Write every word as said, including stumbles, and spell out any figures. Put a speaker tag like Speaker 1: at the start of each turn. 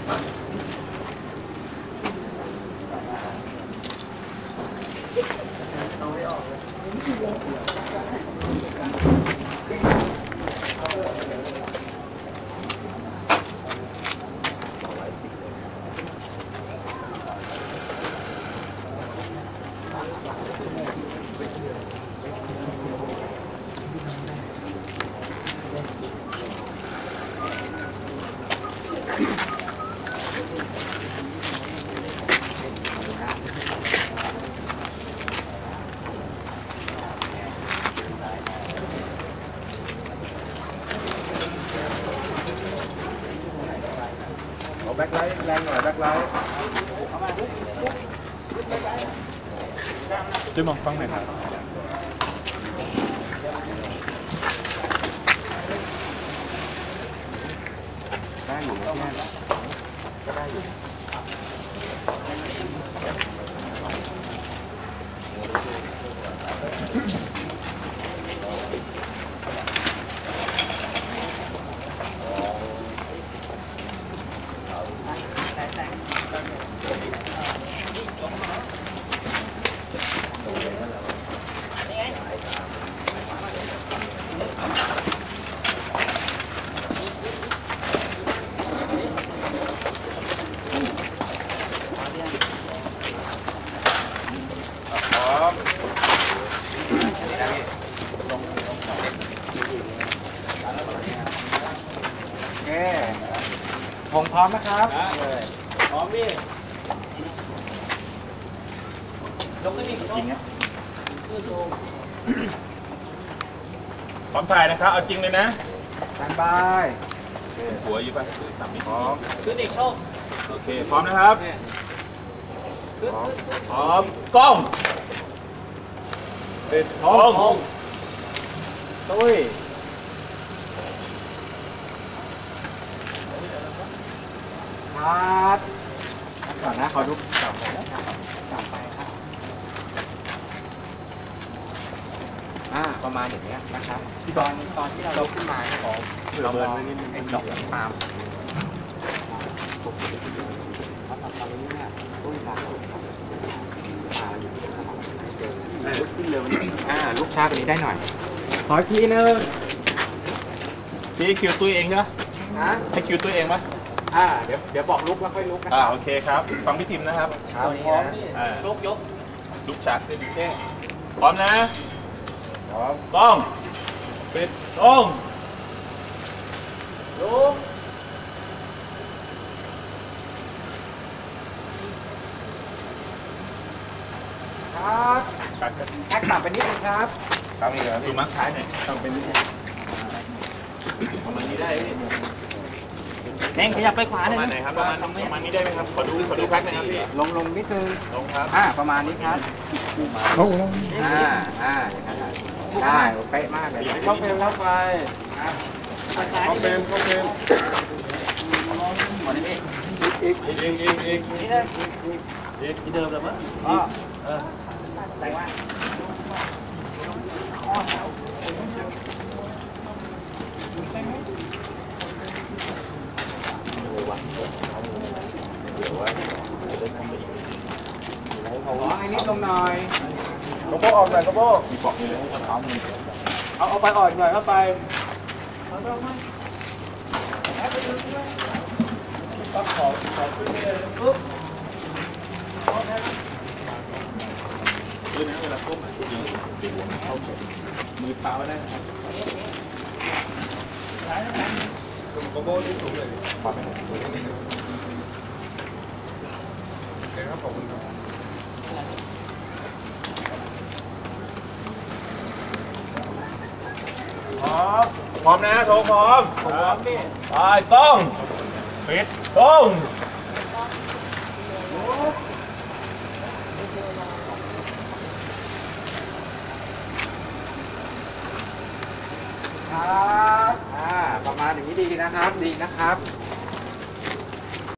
Speaker 1: แบ็คไลท์แรงหน่อยแบ็คไลท์ช่วยมองกล้องหน่อยครับได้อยู่แล้วเนี่ยก็ได้อยู่ผมพร้อมนะครับพร้อมพี่ยกขึ้นอีกจริงนะพร้อมถ่ายนะครับเอาจริงเลยนะสบายหัวอยู่ป่ะสามมิตรพร้อมขึ้นอีกเข้าโอเคพร้อมนะครับพร้อมกล้องติดทองตุ้ยครับก่อนนะขอดูกลับไปแล้วกลับไปครับอ่าประมาณอย่างเงี้ยนะครับตอนตอนที่เราลุกขึ้นมาของเรามองไอ้ดอกตามตอนนี้เนี่ยตุ้ยตาตาอยู่ลุกขึ้นเร็วอ่าลุกช้ากว่านี้ได้หน่อยขออีกทีนึงพี่คิวตุ้ยเองใช่ไหมให้คิวตุ้ยเองไหมอ่าเดี๋ยวเดี๋ยวบอกลุกแล้วค่อยลุกนะอ่าโอเคครับฟังพี่ทิมนะครับพร้อมลุกยกลุกชักโอเคพร้อมนะพร้อมกล้องปิดตรงลุกครับแอคต่ำไปนิดนึงครับทำอีกเหรอดูมัดท้ายหน่อยทำเป็นนิดนึงประมาณนี้ได้แดงขยับไปขวาหน่อยประมาณไหนครับประมาณประมาณนี้ได้ไหมครับขอดูขอดูแพ็คนะครับพี่ลงลงนิดนึงลงครับอ่าประมาณนี้ครับลงลงอ่าอ่าได้เป๊ะมากเลยเข้าเฟรมเข้าไปเข้าเฟรมเข้าเฟรมหมดนี่อีกอีกอีกอีกอีกนี่นะอีกที่เดิมเลยมั้งอ๋อเออแต่ว่าขอให้นิดลงหน่อยกระโปงออกหน่อยกระโปงมีปอกอยู่เลยเอาเอาไปอ่อนหน่อยเข้าไปต้องขอขอขึ้นเลยปุ๊บคือนะเวลาก้มอ่ะดีดีหัวเข้ามือเท้าได้นะครับกระโปงที่สูงเลยขอไปหน่อยโอเคครับขอบคุณครับพร้อมพร้อมนะโถพร้อมพร้อมพี่ไปต้องปิดต้องครับอ่าประมาณอย่างนี้ดีนะครับดีนะครับ